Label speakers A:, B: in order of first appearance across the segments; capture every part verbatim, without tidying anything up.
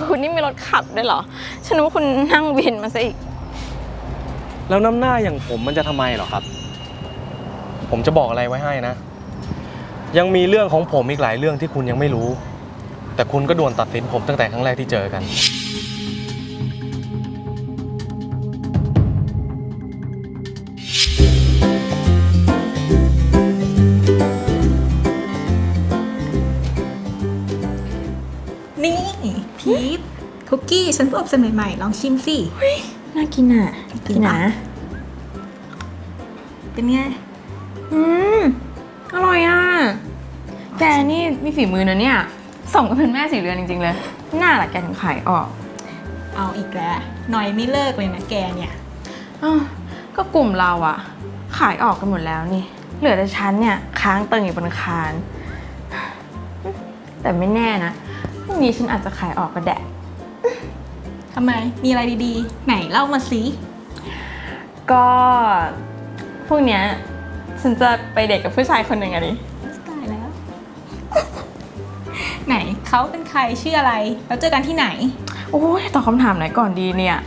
A: คุณนี่มีรถขับด้วยเหรอฉันนึกว่าคุณนั่งวินมาซะอีก
B: แล้วน้ำหน้าอย่างผมมันจะทำไมหรอครับผมจะบอกอะไรไว้ให้นะยังมีเรื่องของผมอีกหลายเรื่องที่คุณยังไม่รู้แต่คุณก็ด่วนตัดสินผมตั้งแต่ครั้งแรกที่เจอกัน
C: นี่พีทคุกกี้ฉันเพิ่งอบเสร็จใหม่ๆลองชิมสิ
A: เฮ้ยน่ากินอ่ะ
C: กินนะเป็นไง
A: อืมอร่อยอ่ะแกนี่มีฝีมือนะเนี่ยส่งก็เป็นแม่สีเรือนจริงๆเลยน่าละแกถึงขายออก
C: เอาอีกแล้วหน่อยไม่เลิกเลยนะแกเนี่ย
A: อ้าวก็กลุ่มเราอะขายออกกันหมดแล้วนี่เหลือแต่ฉันเนี่ยค้างเติ่งอยู่บนคานแต่ไม่แน่นะพรุ่งนี้ฉันอาจจะขายออกก็ได้
C: ทำไมมีอะไรดีๆไหนเล่ามาสิ
A: ก็พวกเนี้ยฉันจะไปเดทกับผู้ชายคนหนึ่งอะดิ
C: ตายแล้ว ไหนเขาเป็นใครชื่ออะไรแล้วเจอกันที่ไหน
A: โอ้ยตอบคำถามไหนก่อนดีเนี่ย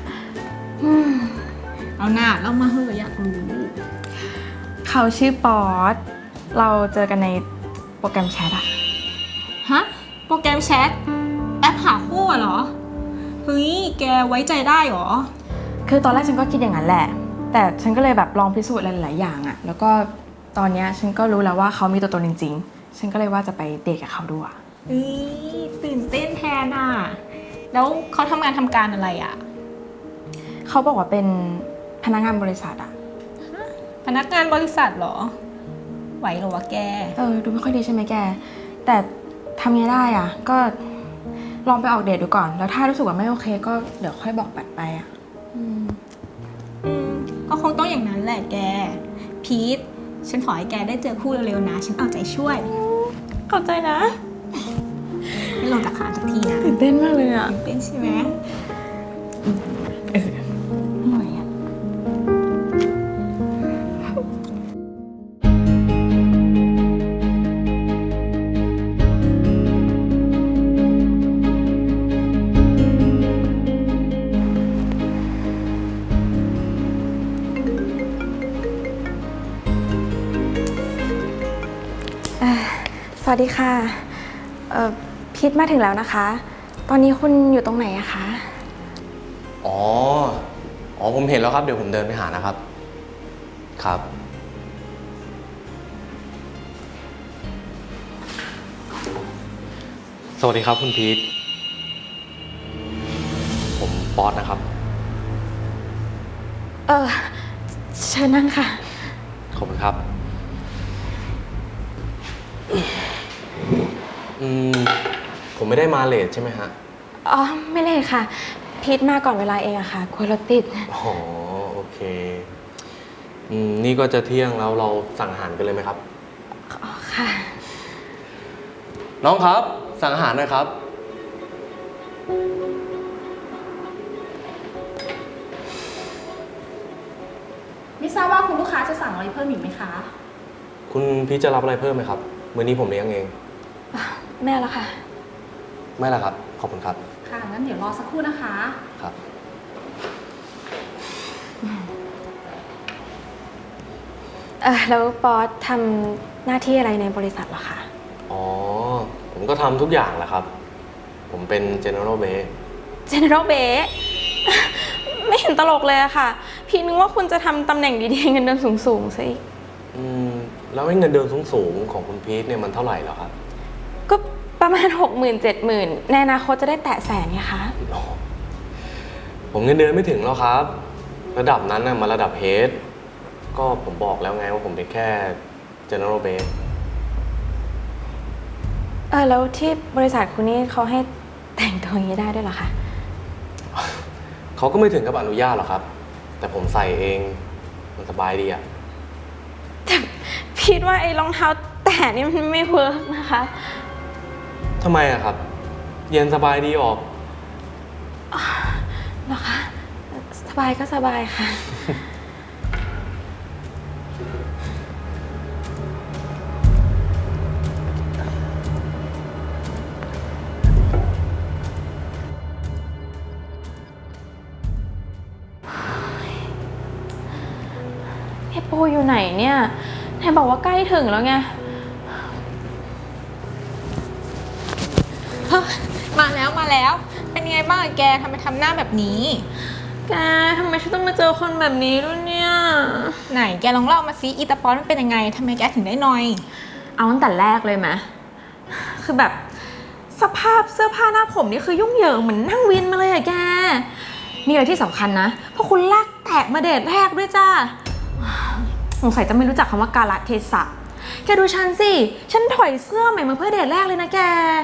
C: เอาหน้าเล่ามาเถอะอยากรู้
A: เขาชื่อป๊อตเราเจอกันในโปรแกรมแชทอะ
C: ฮะโปรแกรมแชทแอปหาคู่เหรอเฮ้ยแกไว้ใจได้หรอ
A: คือตอนแรกฉันก็คิดอย่างนั้นแหละแต่ฉันก็เลยแบบลองพิสูจน์หลายๆอย่างอะแล้วก็ตอนนี้ฉันก็รู้แล้วว่าเขามีตัวตนจริงๆฉันก็เลยว่าจะไปเดทกับเขาด้วย
C: เฮ้ยตื่นเต้นแทนอ่ะแล้วเขาทำงานทำการอะไรอ่ะ
A: เขาบอกว่าเป็นพนักงานบริษัทอะ
C: พนักงานบริษัทเหรอไหวหรอวะแก
A: เออดูไม่ค่อยดีใช่ไหมแกแต่ทำไงได้อ่ะก็ลองไปออกเดทดูก่อนแล้วถ้ารู้สึกว่าไม่โอเคก็เดี๋ยวค่อยบอกปัดไปอ่ะ
C: อืมอืมก็คงต้องอย่างนั้นแหละแกพีทฉันขอให้แกได้เจอคู่เร็วๆนะฉันเอาใจช่วย
A: เข้าใจนะ
C: ไม่ลงจากขาสักทีนะ
A: ตื่นเต้นมากเลยอ่ะ
C: ตื่นเต้นใช่ไหม
A: เอออร่อยอ่ะสวัสดีค่ะเอ่อพีทมาถึงแล้วนะคะตอนนี้คุณอยู่ตรงไหนอะคะ
B: อ๋ออ๋อผมเห็นแล้วครับเดี๋ยวผมเดินไปหานะครับครับสวัสดีครับคุณพีทผมป๊อตนะครับ
A: เออเชิญนั่งค่ะ
B: ขอบคุณครับอืมผมไม่ได้มาเลทใช่ไหมฮะ
A: อ๋อไม่เลทค่ะพีทมาก่อนเวลาเองอะค่ะคุยรถติด
B: อ๋อโอเคอืมนี่ก็จะเที่ยงแล้วเราสั่งอาหารกันเลยไหมครับ
A: อ๋อค่ะ
B: น้องครับสั่งอาหารหน่อยครับ
C: ไม่ทราบว่าคุณลูกค้าจะสั่งอะไรเพิ่มอีกไหมคะ
B: คุณพีทจะรับอะไรเพิ่มไหมครับมื้อนี้ผมเลี้ยงเอง
A: แม่แล้วค่ะ
B: ไม่ละครับขอบคุณครับ
C: ค่ะงั้นเดี๋ยวรอสักครู่นะคะ
B: ครับ
A: เออแล้วป๊อตทำหน้าที่อะไรในบริษัทเหรอคะ
B: อ๋อผมก็ทำทุกอย่างแหละครับผมเป็น General Base
A: General Base ไม่เห็นตลกเลยอะค่ะพี่นึกว่าคุณจะทำตำแหน่งดีๆเงินเดือนสูงๆซะอีก
B: อืมแล้วเงินเดือนสูงๆของคุณพีทเนี่ยมันเท่าไหร่แล้วครับ
A: ก็ประมาณ หกหมื่น เจ็ดหมื่น ในอนาคตจะได้แตะแสนไงคะ
B: ผมเงินเดือนไม่ถึงแล้วครับระดับนั้นน่ะมาระดับเฮดก็ผมบอกแล้วไงว่าผมเป็นแค่ General Base
A: เออแล้วที่บริษัทคุณนี่เขาให้แต่งตัวอย่างนี้ได้ด้วยเหรอคะ
B: เขาก็ไม่ถึงกับอนุญาตหรอกครับแต่ผมใส่เองมันสบายดีอะ
A: แต่คิดว่าไอ้รองเท้าแตะนี่มันไม่เวิร์กนะคะ
B: ทำไมอะครับเย็นสบายดีออก
A: เหรอคะสบายก็สบายค่ะโอ้อยู่ไหนเนี่ยไหนบอกว่าใกล้ถึงแล้วไง
C: เฮ้ยมาแล้วมาแล้ว เป็นไงบ้างอะแกทำไมทำหน้าแบบนี้
A: แกทำไมฉันต้องมาเจอคนแบบนี้ด้วยเนี่ย
C: ไหนแกลองเล่ามาซิอีตาปอนมันเป็นยังไงทำไมแกถึงได้นอย
A: เอาตั้งแต่แรกเลยไหมคือแบบสภาพเสื้อผ้าหน้าผมนี่คือยุ่งเหยิงเหมือนนั่งวินมาเลยอะแกนี่อะไรที่สำคัญนะเพราะคุณลากแตกมาเดทแรกด้วยจ้าสงสัยจะไม่รู้จักคำว่ากาลเทศะแกดูฉันสิฉันถอยเสื้อใหม่มาเพื่อเดทแรกเลยนะแก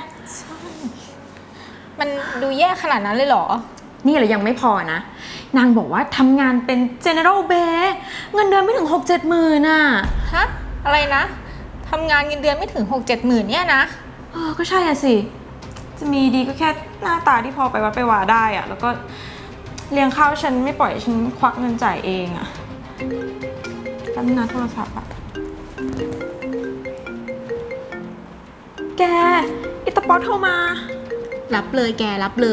C: มันดูแย่ขนาดนั้นเลยเหรอ
A: นี่แหละยังไม่พอนะนางบอกว่าทำงานเป็น general b a เงินเดือนไม่ถึง หกเจ็ดหมื่นน่ะ
C: ฮะ อะไรนะทำงานเงินเดือนไม่ถึง หกเจ็ดหมื่นเนี่ยนะ
A: เออก็ใช่อะสิ จะมีดีก็แค่หน้าตาที่พอไปวัดไปวาได้อะแล้วก็เลี้ยงข้าวฉันไม่ปล่อยฉันควักเงินจ่ายเองอะตั้งนาโทรศัพท์อะแกอิตาป๊อตโทรมา
C: รับเลยแกรับเลย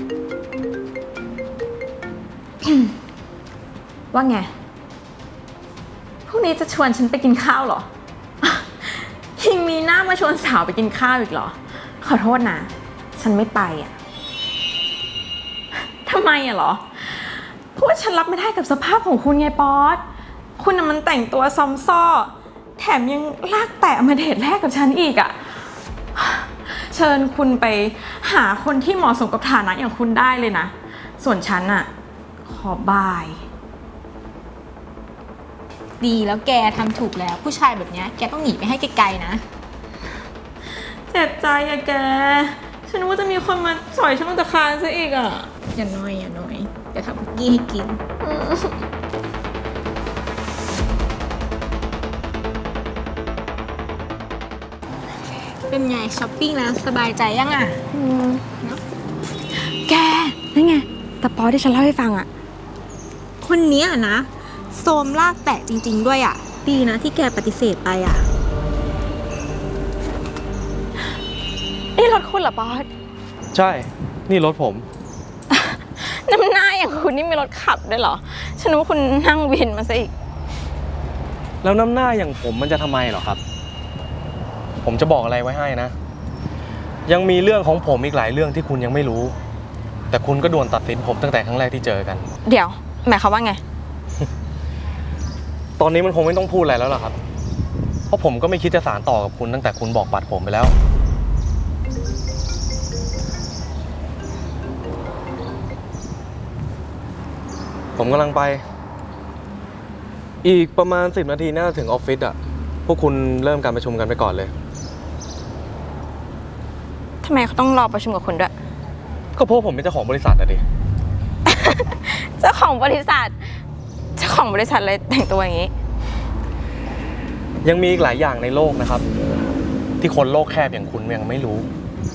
A: ว่าไง พรุ่งนี้จะชวนฉันไปกินข้าวเหรอ ยังมีหน้ามาชวนสาวไปกินข้าวอีกเหรอ ขอโทษนะ ฉันไม่ไปอ่ะ ทำไมอ่ะเหรอ เพราะว่าฉันรับไม่ได้กับสภาพของคุณไงป๊อตคุณน่ะมันแต่งตัวซอมซ่อ แถมยังลากแตะมาเดทแรกกับฉันอีกอ่ะ เชิญคุณไปหาคนที่เหมาะสมกับฐานะอย่างคุณได้เลยนะ ส่วนฉันอ่ะ ขอบาย
C: ดีแล้วแกทำถูกแล้วผู้ชายแบบเนี้ยแกต้องหนีไปให้ไกลๆนะ
A: เจ็บใจอะแก ฉันนึกว่าจะมีคนมาสอยฉันลงจากคานซะอีกอะ
C: อย่าน้อยอย่าน้อยเดี๋ยวทำคุกกี้ให้กิน เป็นไงช้อปปิ้งแล้วสบายใจยังอ่ะ
A: แก นั่นไงแต่ปอที่ฉันเล่าให้ฟังอะ
C: คนเนี้ยนะโซมลากแตะจริงๆด้วยอ่ะ ดีนะที่แกปฏิเสธไปอ่ะ
A: นี่รถคุณเหรอปอส
B: ใช่ นี่รถผม
A: น้ำหน้าอย่างคุณนี่มีรถขับด้วยเหรอ ฉันนึกว่าคุณนั่งวินมาซะอีก
B: แล้วน้ำหน้าอย่างผมมันจะทำไมเหรอครับ ผมจะบอกอะไรไว้ให้นะ ยังมีเรื่องของผมอีกหลายเรื่องที่คุณยังไม่รู้ แต่คุณก็ด่วนตัดสินผมตั้งแต่ครั้งแรกที่เจอกัน
A: เดี๋ยว หมายความว่าไง
B: ตอนนี้มันคงไม่ต้องพูดอะไรแล้วล่ะครับ เพราะผมก็ไม่คิดจะสานต่อกับคุณตั้งแต่คุณบอกปัดผมไปแล้ว ผมกำลังไป อีกประมาณสิบนาทีน่าจะถึงออฟฟิศอ่ะ พวกคุณเริ่มการประชุมกันไปก่อนเลย
A: ทำไมเขาต้องรอประชุมกับคุณด้วย
B: ก็เพราะผมเป็นเจ้าของบริษัทอะดิ
A: เจ้าของบริษัท เจ้าของบริษัทเลยแต่งตัวอย่างนี้
B: ยังมีอีกหลายอย่างในโลกนะครับ ที่คนโลกแคบอย่างคุณยังไม่รู้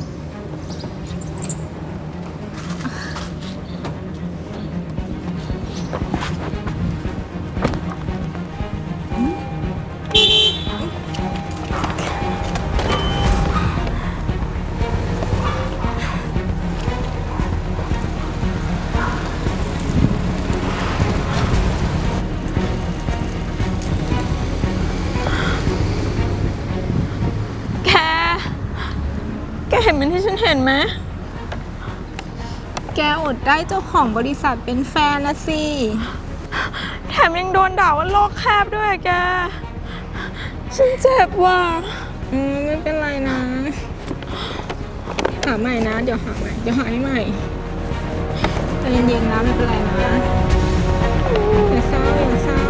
A: แก แกเห็นเหมือนที่ฉันเห็นไหม
C: แกอดได้เจ้าของบริษัทเป็นแฟนละสิ
A: แถมยังโดนด่าว่าโลกแคบด้วยอะแก ฉันเจ็บว่ะ
C: อืมไม่เป็นไรนะ หาใหม่นะ เดี๋ยวหาใหม่ เดี๋ยวหาให้ใหม่ใจเย็นๆนะไม่เป็นไรนะอย่าเศร้าอย่าเศร้า